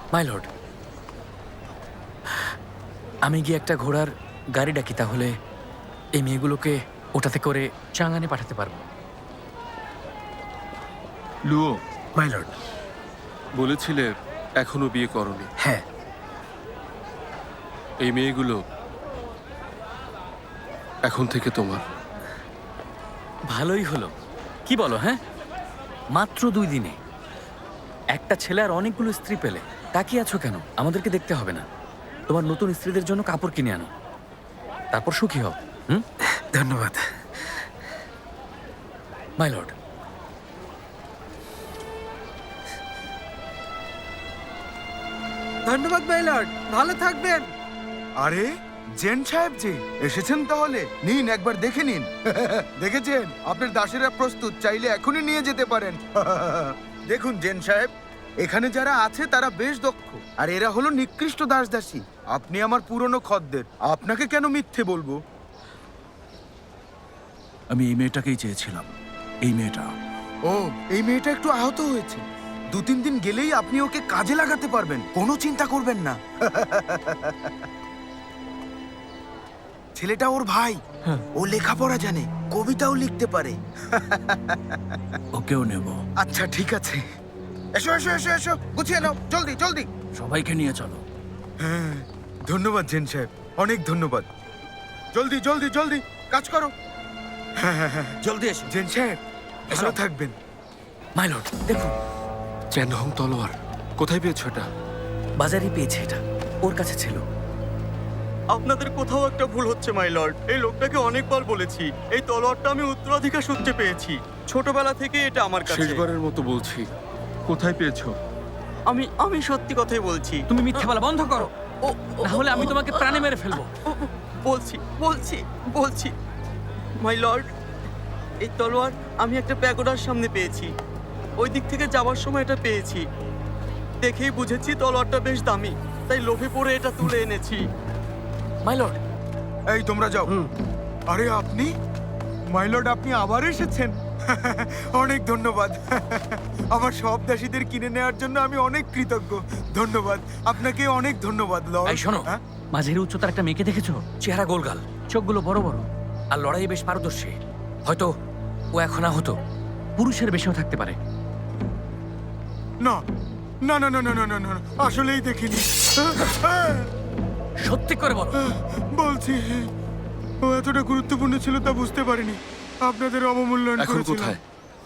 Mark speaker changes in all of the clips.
Speaker 1: My lord, আমি গিয়ে একটা ঘোড়ার গাড়ি ডাকি, তাহলে এই মেয়েগুলোকে ওটাতে করে চাঙ্গানে পাঠাতে পারবো।
Speaker 2: লুও,
Speaker 1: মাই লর্ড।
Speaker 2: বলেছিলে এখনো বিয়ে করনি।
Speaker 1: হ্যাঁ।
Speaker 2: এই মেয়েগুলো এখন থেকে তোমার।
Speaker 1: ভালোই হলো। কি বলো? হ্যাঁ, মাত্র 2 দিনে একটা ছেলে আর অনেকগুলো স্ত্রী পেলে। তাকিয়ে আছো কেন? আমাদেরকে দেখতে হবে না? তোমার নতুন স্ত্রীদের জন্য কাপড় কিনে আনো, তারপর সুখী হও। ধন্যবাদ মাই লর্ড।
Speaker 3: ধন্যবাদ মাই লর্ড, ভালো থাকবেন।
Speaker 4: আরে জেন সাহেব জি এসেছেন, তাহলে নিন একবার দেখে নিন। দেখেছেন, আপনার দাসেরা প্রস্তুত, চাইলে এখনই নিয়ে যেতে পারেন। দেখুন জেন সাহেব, এখানে যারা আছে তারা বেশ দক্ষ, আর এরা হলো নিকৃষ্ট দাসদাসী। আপনি আমার পুরনো খদ্দের, আপনাকে কেন মিথ্যে বলবো?
Speaker 5: আমি এই মেয়েটাকেই চেয়েছিলাম, এই মেয়েটা।
Speaker 4: ও, এই মেয়েটা একটু আহত হয়েছে। 2-3 দিন গেলেই আপনি ওকে কাজে লাগাতে পারবেন, কোনো চিন্তা করবেন না। ছেলেটা ওর ভাই, ও লেখাপড়া জানে, কবিতাও লিখতে পারে।
Speaker 5: ওকেও নেব।
Speaker 4: আচ্ছা ঠিক আছে, এসো এসো এসো এসো, গুছিয়ে নাও, জলদি জলদি।
Speaker 5: সবাইকে নিয়ে চলো।
Speaker 4: হ্যাঁ, ধন্যবাদ জেন সাহেব, অনেক ধন্যবাদ। জলদি জলদি জলদি কাজ করো।
Speaker 5: জলদি এসো।
Speaker 4: জেন সাহেব ভালো থাকবেন।
Speaker 1: মাই লর্ড, দেখুন,
Speaker 2: চ্যানহং তলোয়ার কোথায় পেয়েছো এটা?
Speaker 1: বাজারে পেয়েছে, এটা ওর কাছে ছিল।
Speaker 3: আপনাদের কোথাও একটা ভুল হচ্ছে মাই লর্ড। এই লোকটাকে অনেকবার বলেছি, এই তলোয়ারটা আমি উত্তরাধিকার সূত্রে পেয়েছি। ছোটবেলা থেকে এটা আমার কাছে।
Speaker 2: শেষবারের মতো বলছি, কোথায় পেয়েছো?
Speaker 3: আমি সত্যি কথাই বলছি।
Speaker 1: তুমি মিথ্যে বলা বন্ধ করো, না হলে আমি তোমাকে প্রাণে মেরে ফেলবো।
Speaker 3: বলছি বলছি বলছি মাই লর্ড, এই তলোয়ার আমি একটা প্যাগোডার সামনে পেয়েছি। ওই দিক থেকে যাওয়ার সময় এটা পেয়েছি। দেখেই বুঝেছি তলোয়ারটা বেশ দামি, তাই লোভে পড়ে এটা তুলে এনেছি।
Speaker 1: মাই লর্ড,
Speaker 4: এই তোমরা যাও। আরে আপনি মাই লর্ড, আপনি আবার এসেছেন। অনেক ধন্যবাদ। আমার সব দাসীদের কিনে নেওয়ার জন্য আমি অনেক কৃতজ্ঞ। ধন্যবাদ আপনাকে, অনেক ধন্যবাদ লর্ড।
Speaker 1: এই শোনো,
Speaker 4: হ্যাঁ?
Speaker 1: মাঝের উচ্চতার একটা মেয়েকে দেখেছো? চেহারা গোলগাল, চোখগুলো বড় বড়, আর লড়াইয়ে বেশ পারদর্শী। হয়তো ও এখন আহত, পুরুষের বেশিও থাকতে পারে।
Speaker 4: না না না না না না না না, আসলেই দেখিনি।
Speaker 1: সত্যি করে বলো।
Speaker 4: বলছি, ও এতটা গুরুত্বপূর্ণ ছিল তা বুঝতে পারিনি। আপনাদের অবমূল্যায়ন
Speaker 2: এখন
Speaker 4: করেছিলাম।
Speaker 2: কোথায়?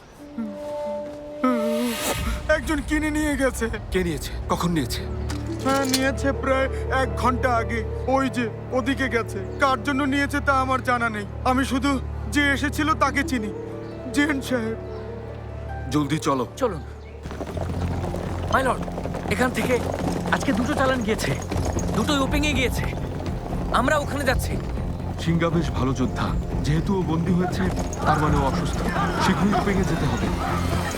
Speaker 4: একজন কিনে নিয়ে গেছে।
Speaker 2: কে নিয়েছে? কখন নিয়েছে?
Speaker 4: হ্যাঁ, নিয়েছে প্রায় 1 ঘন্টা আগে। ওই যে ওদিকে গেছে। কার জন্য নিয়েছে তা আমার জানা নেই। আমি শুধু যে এসেছিল তাকে চিনি, জেন সাহেব।
Speaker 2: জলদি চলো।
Speaker 1: চলুন মাই লর্ড, এখান থেকে আজকে 2টো চালান গিয়েছে, দুটোই ওপেনে গিয়েছে। আমরা ওখানে যাচ্ছি।
Speaker 2: সিঙ্গা বেশ ভালো যোদ্ধা, যেহেতু ও বন্দী হয়েছে তার মানে ও অসুস্থ। শীঘ্রই ওপেনে যেতে হবে।